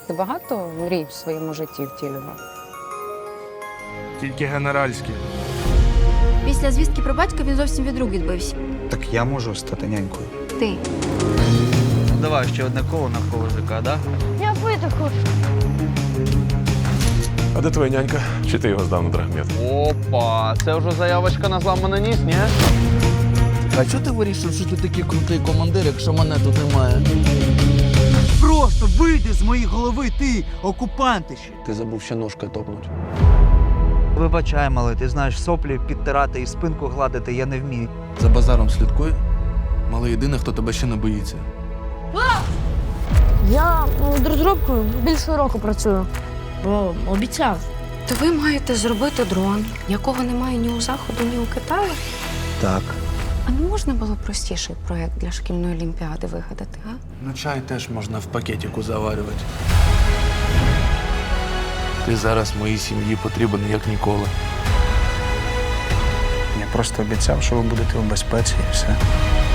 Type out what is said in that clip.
Ти багато мрій в своєму житті втілював? Тільки генеральські. Після звістки про батька він зовсім від рук відбився. Так я можу стати нянькою. Ти. Давай ще одне коло навколо ЖК, да? Я пити хочу. А де твоя нянька? Чи ти його здав на драгмет? Опа, це вже заявочка на зламаний ніс, ні? А чого ти вирішив, що ти такий крутий командир, якщо мене тут немає? Просто вийди з моєї голови, ти, окупантище! Ти забув ще ножкою топнуть. Вибачай, малий, ти знаєш, соплі підтирати і спинку гладити я не вмію. За базаром слідкуй. Малий єдиний, хто тебе ще не боїться. Я над розробкою більше року працюю. Бо обіцяв. То ви маєте зробити дрон, якого немає ні у Заходу, ні у Китаю? Так. А не можна було простіший проєкт для шкільної олімпіади вигадати, а? Ну, чай теж можна в пакетику заварювати. Ти зараз моїй сім'ї потрібен як ніколи. Я просто обіцяв, що ви будете у безпеці і все.